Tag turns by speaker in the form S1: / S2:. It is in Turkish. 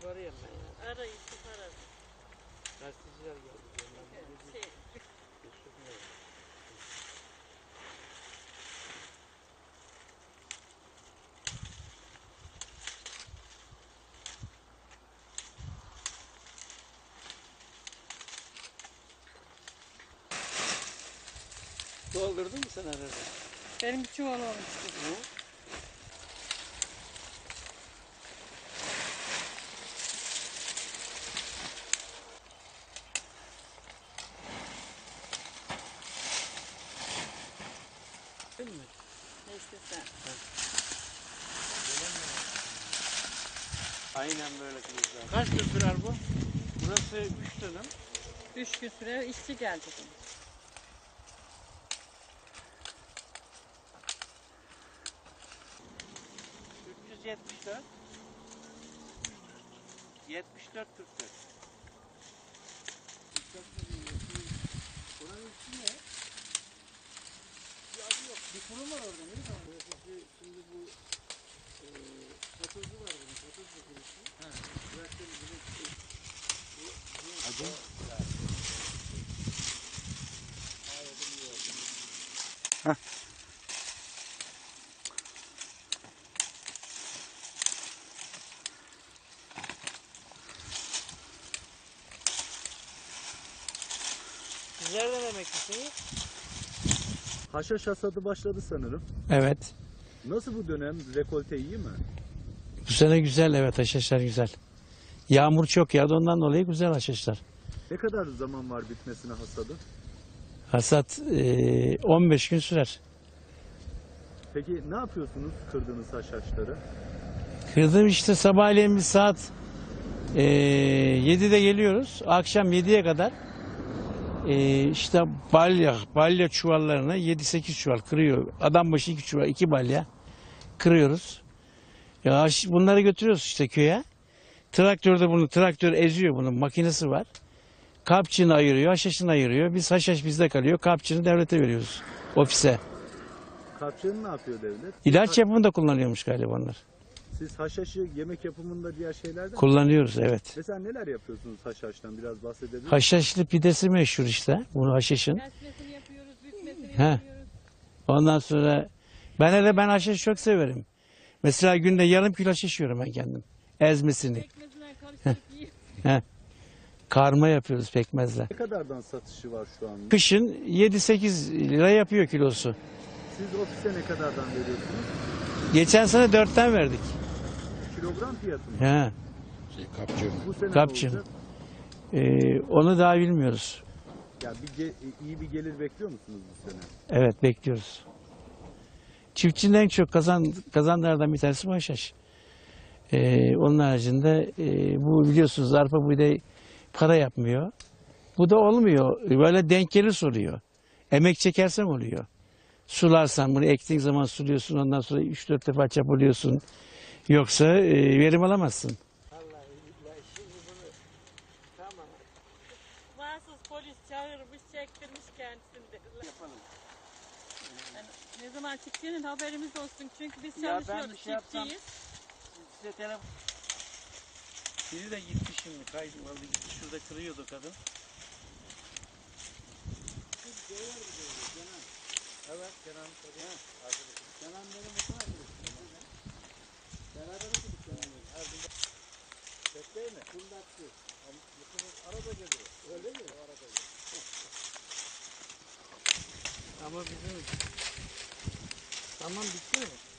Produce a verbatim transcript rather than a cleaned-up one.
S1: arayayım ben ya.
S2: Arayın, siz ararız.
S1: Gazeteciler geldi.
S2: Şey.
S1: Doldurdun mu sen arada?
S2: Benim bir çuval olmuştu.
S1: Hı? Değil mi?
S2: Ne istesen.
S1: Aynen böyle kılıçlar. Kaç gün sürer bu? Burası üç dönüm.
S2: Üç gün süre işçi geldi.
S1: üç yüz yetmiş dört. yetmiş dört kırk dört. Buranın ismi ne? Bir adı yok. Bir kurum var orada. Ne zaman? Şimdi bu e, Satozlu var bunun. Satozlu kurusu. Bıraktığım bunu bu adı? Heh. Sizler de emeklisiniz.
S3: Haşhaş hasadı başladı sanırım.
S4: Evet.
S3: Nasıl bu dönem? Rekolte iyi mi?
S4: Bu sene güzel, evet, haşhaşlar güzel. Yağmur çok yağdı, ondan dolayı güzel haşhaşlar.
S3: Ne kadar zaman var bitmesine hasadı?
S4: Hasat e, on beş gün sürer.
S3: Peki ne yapıyorsunuz kırdığınız haşhaşları?
S4: Kırdım işte, sabahleyin bir saat e, yedide geliyoruz. Akşam yediye kadar e, işte balya, balya çuvallarını yedi sekiz çuval kırıyor. Adam başı iki çuval, iki balya kırıyoruz. Ya bunları götürüyoruz işte köye. Traktörde bunu, traktör eziyor, bunun makinesi var. Kapçını ayırıyor, haşhaşını ayırıyor. Biz haşhaş bizde kalıyor. Kapçını devlete veriyoruz. Ofise.
S3: Kapçığını ne yapıyor devlet?
S4: İlaç yapımında kullanıyormuş galiba onlar.
S3: Siz haşhaşı yemek yapımında diğer şeylerden mi?
S4: Kullanıyoruz, evet.
S3: Mesela neler yapıyorsunuz haşhaştan? Biraz bahsedebilir misiniz?
S4: Haşhaşlı pidesi meşhur işte. Bunu haşhaşın.
S2: Kesmesini yapıyoruz, bükmesini
S4: He.
S2: yapıyoruz.
S4: Ondan sonra ben hele ben haşhaşı çok severim. Mesela günde yarım kilo haşhaş yiyorum ben kendim. Ezmesini.
S2: Pekmezine karıştırıp yiyoruz.
S4: He. Karma yapıyoruz pekmezle.
S3: Ne kadardan satışı var şu an?
S4: Kışın yedi sekiz lira yapıyor kilosu.
S3: Siz ofise ne kadardan veriyorsunuz?
S4: Geçen sene dörtten verdik.
S3: Kilogram fiyatı mı?
S4: He.
S3: Bu sene
S4: Kapçı.
S3: ne olacak?
S4: Ee, onu daha bilmiyoruz.
S3: Ya bir ge- iyi bir gelir bekliyor musunuz bu sene?
S4: Evet, bekliyoruz. Çiftçinin en çok kazan, kazanlardan bir tanesi bu haşhaş. Ee, onun haricinde e, bu biliyorsunuz arpa buğday para yapmıyor. Bu da olmuyor. Böyle denk gelir soruyor. Emek çekersen oluyor. Sularsan, bunu ektiğin zaman suluyorsun, ondan sonra üç dört defa çapalıyorsun. Yoksa e, verim alamazsın.
S1: Vallahi billahi şimdi bunu tamam
S2: Mahsus polis çağırmış, çektirmiş kendisini dediler.
S1: yapalım.
S2: Yani ne zaman çıktığının haberimiz olsun. Çünkü biz
S1: Ya ben
S2: çalışıyoruz,
S1: bir şey yapsam-
S2: çiftçiyiz.
S1: Size telefon... Biri de gitti şimdi, kaydım aldı gitti. Şurada kırıyordu kadın. Evet, Kenan tabii. Ha, arkadaşım. Kenan benim okul arkadaşım. Beraber okuduk Kenan'la. Her gün bekleyin mi? Kundakçı. Mutlumuz arada geliyor. Öyle mi? O arada geliyor. Ama bizim... Tamam bitti mi?